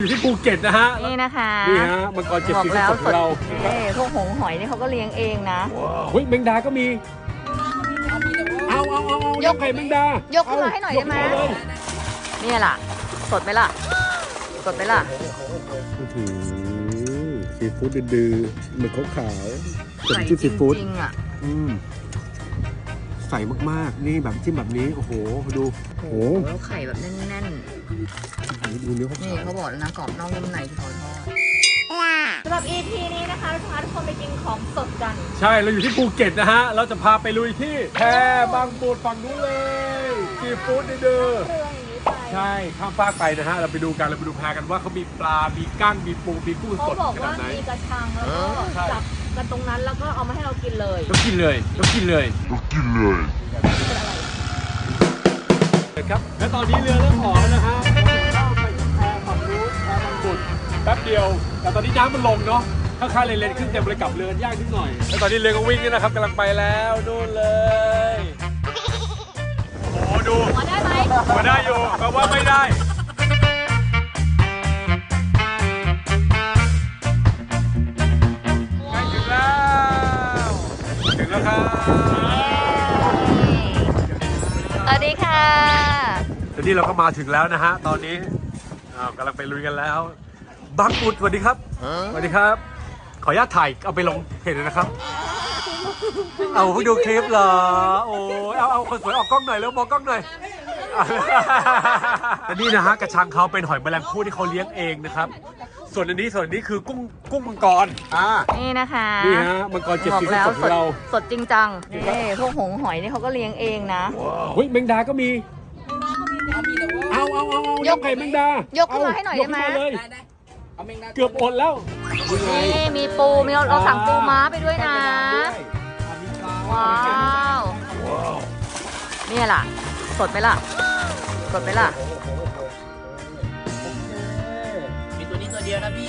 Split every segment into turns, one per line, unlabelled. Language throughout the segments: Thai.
อยู่ที่ภูเก็ตนะฮะ
นี่นะคะ
นี่ฮะมังกรเจ็ดสีสดของเรา
พวกหงหอยนี่เขาก็เลี้ยงเองนะ
เฮ้ยแมงดาก็มีเอายกไข่แมงดาย
กขึ้นมาให้หน่อยได้ไหมนี่ล่ะสดไหมล่ะสดไหมล่ะ
ซีฟู้ดดื้อๆเหมือนขาวๆเป็นจิ้มซีฟู้ดใส่มากๆนี่แบบจิ้มแบบนี้โอ้โหดูโอ้โห
ไข่แบบแน่น
ๆดูเนื้อเขา
นี่เขาบอกแล้วนะกรอบนอกนุ่มในที่เขาทอดสำหรับ EP นี้นะคะเราจะพาทุกคนไปกินของสดกัน
ใช่เราอยู่ที่ภูเก็ตนะฮะเราจะพาไปลุยที่แพบางปูดฝั่งนู้นเลยซีฟู้ดดื้อใช่ข้ามฟากไปนะฮะเราไปดูกันเราไปดูแพกันว่าเขามีปลา มีกั้งมีปูมีกุ้งสดขนาดไหน
เขาบอกว่ามีกระชังแล้วก็จับกันตรงนั้นแล้วก็เอามาให้เรากินเลยครับและตอนนี้เรือเริ่มออกแล้วนะฮะเข้าไปที่แพฝั่งนู้นแพบางปูดแป๊บเดียวแต่ตอนนี้น้ำมันลงเนาะข้างๆเลนขึ้นเต็มเลยกับเรือยากนิดหน่อยแล้วตอนนี้เรือก็วิ่งนี่นะครับกำลังไปแล้วนู่นเลยโอ้ดูมาได้ไหมมาได้อยู่แปลว่าไม่ได้ใกล้ถึงแล้วครับสวัสดีค่ะ
ตอนนี้เราก็มาถึงแล้วนะฮะตอนนี้กำลังไปลุยกันแล้วบางปูดสวัสดีครับสวัสดีครับขออนุญาตถ่ายเอาไปลงเพจเลยนะครับเอาเพิ่งดูคลิปเหรอโอ้เอาคนสวยออกกล้องหน่อยแล้วมองกล้องหน่อยแต่นี่นะฮะกระชังเขาเป็นหอยแมลงภู่ที่เขาเลี้ยงเองนะครับส่วนอันนี้คือกุ้งมังกร
นี่นะคะ
นี่ฮะมังกรเจ็ดสีสดของเรา
สดจริงจังนี่พวกหงหอยนี่เขาก็เลี้ยงเองนะ
เฮ้ยแมงดาก็มีเอายกไข่แมงดาย
กขึ้นมาให้หน่อยได้ไหม
เกือบอดแล้ว
นี่มีปูมีเราสั่งปูม้าไปด้วยนะว้าวนี่ล่ะสดไหมล่ะ
มีตัวนี้ตัวเดียวนะพี่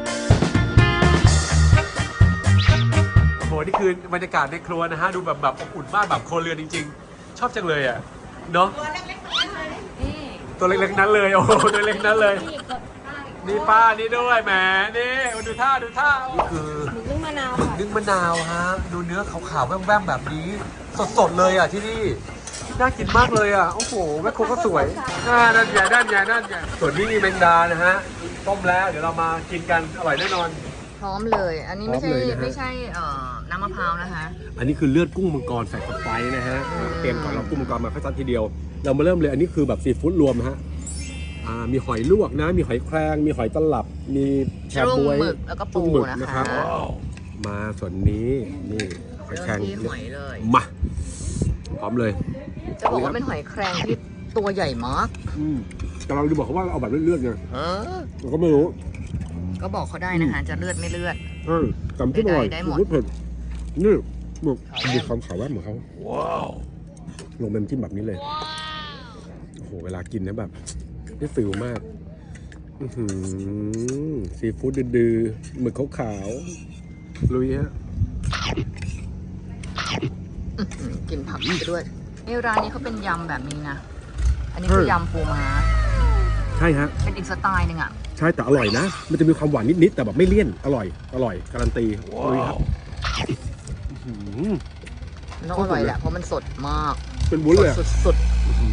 โอ้โหนี่คือบรรยากาศในครัวนะฮะดูแบบอบอุ่นมากแบบโคเรือนจริงๆชอบจังเลยอ่ะเนาะตัวเล็กๆนั้นเลยโอ้โหตัวเล็กนั้นเลยนี่ป้านี่ด้วยแหมนี่ดูท่านี่คือ
นึ่งมะนาว
ฮะดูเนื้อขาวๆแว่มๆแบบนี้สดๆเลยอ่ะที่นี่น่ากินมากเลยอ่ะโอ้โหแม่ครัวก็สวยนั่นใหญ่ส่วนนี้มีแมงดานะฮะต้มแล้วเดี๋ยวเรามากินกันอร่อยแน่นอน
พร้อมเลยอันนี้ไม่ใช่น้ำมะพร้าวนะคะ
อันนี้คือเลือดกุ้งมังกรใส่สไปซ์นะฮะเตรียมก่อนเรากุ้งมังกรมาค่อยซัดทีเดียวเรามาเริ่มเลยอันนี้คือแบบซีฟู้ดรวมนะฮะมีหอยลวกนะมีหอยแครงมีหอยตลับมีแชบวย
แล้วก็ปู
นะครับมาส่วนนี้นี่หอยแครงมาพร้อมเลย
จะบอกว่าเป็นหอยแครงที่ตัวใหญ่มาก
แต่เราจะบอกเขาว่าเอาแบบเลือดไงเราก็ไม่รู้
ก็บอกเขาได้นะคะจะเลือดไม่เลือด
จำที่อร่อยรู้เผ็ดนี่หมึกมีความขาวแวบเหมือนเขาลงเป็นจิ้มแบบนี้เลยโอ้โหเวลากินนะแบบได้ฟิลมากซีฟู้ดดื้อๆหมึกขาวๆลุยฮะ
กินผักไปด้วยนี่ร้านนี้เขาเป็นยำแบบนี้นะอันนี้คือยำปูม้า
ใช่ฮะ
เป็นอีกสไตล์หนึ่งอ่ะ
ใช่แต่อร่อยนะมันจะมีความหวานนิดๆแต่แบบไม่เลี่ยนอร่อยการันตีลุยครับ
แล้วอร่อยแหละเพราะมันสดมาก
เป็นวุ้นเลย
สุด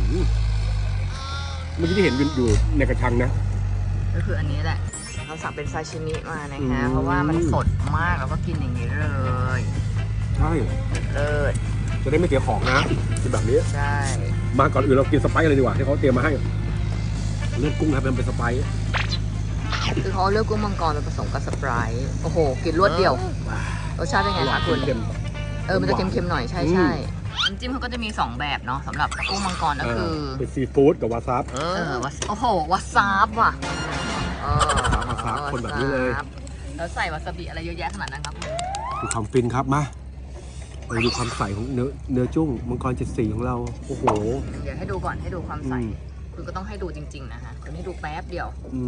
เมื่อกี้ที่เห็นอยู่ในกระชังนะ
ก็คืออันนี้แหละเราสั่งเป็นซาชิมิมานะคะเพราะว่ามันสดมากแล้วก็กินอย่างนี้เลย
ใช่จะได้ไม่เสียของนะกินแบบนี้
ใช่
มาก่อนอื่นเรากินสไปซ์เลยดีกว่าที่เขาเตรียมมาให้เลือดกุ้งครับเป็นสไปซ์
คือเขาเลือกกุ้งมังกรมาผสมกับสไปซ์โอ้โหกินรวดเดียวรสชาติเป็นไงคะคุณมันจะเค็มๆหน่อยใช่น้ำจิ้มเขาก็จะมี2แบบเนาะสำหรับกุ้งมังกรก็คือ
เป็นซีฟู้ดกับวาซาบ
โอ้โหวาซาบว่ะ
วาซาบคนแบบนี้เลย
แล้วใส่วาซาบิอะไรเยอะแยะขนาดนั้นครับ
ดูความฟินครับมาไปดูความใสของเนื้อจุ้งมังกร7สีของเราโอ้โห
เดี๋ยวให้ดูก่อนให้ดูความใสคือก็ต้องให้ดูจริงๆนะคะคุณให้ดูแป๊บเดียว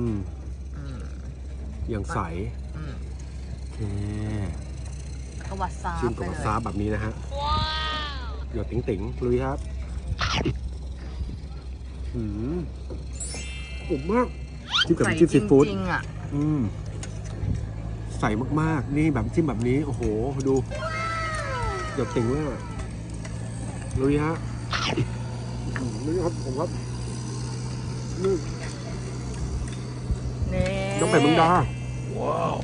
อย่างใสโอเค
ก็วาซาบ
จิ้มกับวาซาบแบบนี้นะฮะหยดติ๋งลุยครับอุ่มมากจิ้มกับน้ำจิ้มซีฟู้ด
จริงๆอ่ะ
ใส่มากๆนี่แบบจิ้มแบบนี้โอ้โหดูเดือดติ่งเลยลุยฮะนี่ครับผมครับนี่
นี่
น้องไข่เมืองดาว้าว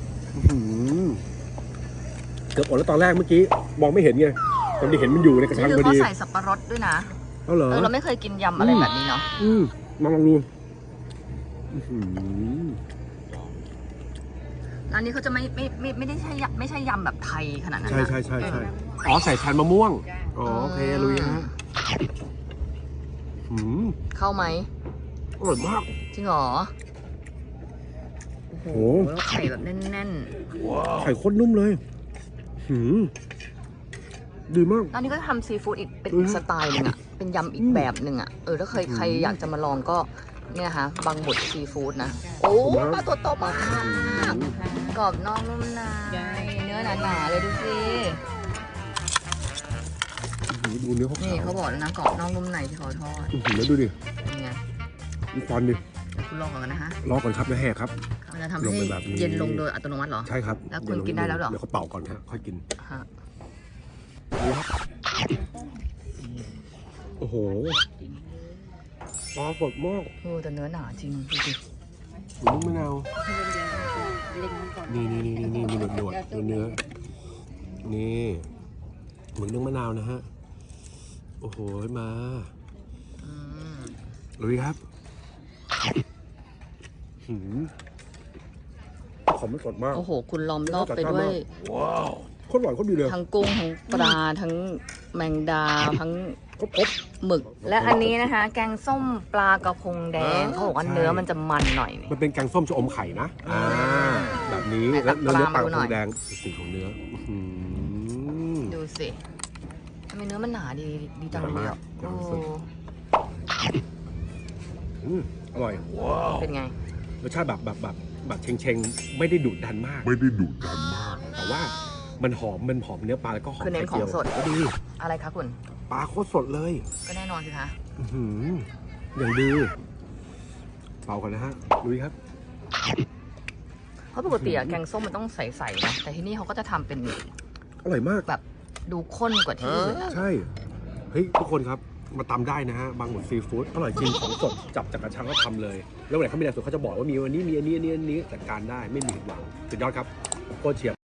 เกือบอดแล้วตอนแรกเมื่อกี้มองไม่เห็นไงตอนที่เห็นมันอยู่ในกระชัง
นี่
พ
คือ
อ
เขา
ดี
ใส่สับปะรดด้วยนะ
เอาเหรอ
เราไม่เคยกินยำอะไรแบบนี้เนาะ
มาลองดู
ร้านนี้เขาจะไม่ได้ใช่ไม่ใช่ยำแบบไทยขนาดนั้น
ใช่
นะ
ใช่ใช่ใช่อ๋อใส่ชานมะม่วงอ๋อโอเคลุยฮะ
เข้าไหม
อร่อยมาก
จริงเหรอ โอ้โห
โอ้
แล้วไข่แบบแน่น
ไข่ข้นนุ่มเลยดีมาก
ๆร้านนี้ก็ทำซีฟู้ดอีกเป็น
อืม
สไตล์หนึงอ่ะ เป็นยำอีกแบบหนึ่งอ่ะ ถ้าใครอยากจะมาลองก็เนี่ยค่ะบางบดซีฟู้ดนะ โอ้ปลาตัวโตมากกรอบนอกนุ่มในเนื้อหนาๆเลยดูสิ
ดูเนื้อเขา
นี่
ขาว
เขาบอกแล้วนะกรอบนอกนุ่มในที่เขาทอด
แล้วดูดิ
เป็นไง
มีควันดิ
เดี๋ยวคุณลองก่อนนะฮะ
รอก่อนครับนะแห่ครับ
มันจะทำ
ลง
ให้
ไปแบบนี้
เย็นลงโดยอัตโนมัติเหรอ
ใช่ครับ
แล้วคุณกินได้แล้วเหรอ
เดี๋ยวเขาเป่าก่อนฮะค่อยกิน
ฮะ
โอ้โหปลาสดมาก
แต่เนื้อหนาจริงดูสิ
หมูมะนาวนี่มีหนวดเนื้อนี่เหมือนนึ่งมะนาวนะฮะโอ้โหมา
อืม
ลุยครับของมันสดมาก
โอ้โห คุณล้อมรอบไปด้วย
ว้าวโคตรอร่อยโคตรดีเลย
ทั้งกุ้งทั้งปลาทั้งแมงดาทั้ง
ครบ
หมึก และอันนี้นะคะ แกงส้มปลากระพงแดงเขาบอกว่า
ใช่
เนื้อมันจะมันหน่อยนี่
มันเป็นแกงส้มชะอมไข่นะแบบนี้
ไหนตั
แล้ว
ก
เนื้อ
ปลา
ปลา
มาดูหน่อย
แดงสีของเนื้ออ
ดูสิทำไมเนื้อมันหนาดีจังเลยอ่ะ
หนา
โอ้
มาก อร่อย
เป็นไง
รสชาติแบบเชงๆไม่ได้ดุดันมาก แต่ว่ามันหอมเนื้อปลาแล้วก็หอม
คือเน้นของสด
ก็ดี
อะไรคะคุณ
ปลาโคตรสดเลย
ก็แน่นอนสิคะ
อย่างดีเป่ากันนะฮะลุยครับ
เพราะปกติอะแกงส้มมันต้องใสๆนะแต่ที่นี่เขาก็จะทำเป็น
อร่อยมาก
แบบดูข้นกว่าที่อื่นอะ
ใช่ เฮ้ย ทุกคนครับ มาตำได้นะฮะ บางหมดซีฟู้ดอร่อยจริงของสด จับจากกระชังก็ทำเลย แล้ววันไหนเขามีอะไรสดเขาจะบอกว่ามีวันนี้มีอันนี้จัดการได้ไม่มีผิดหวังสุดยอดครับโคตรเฉียบ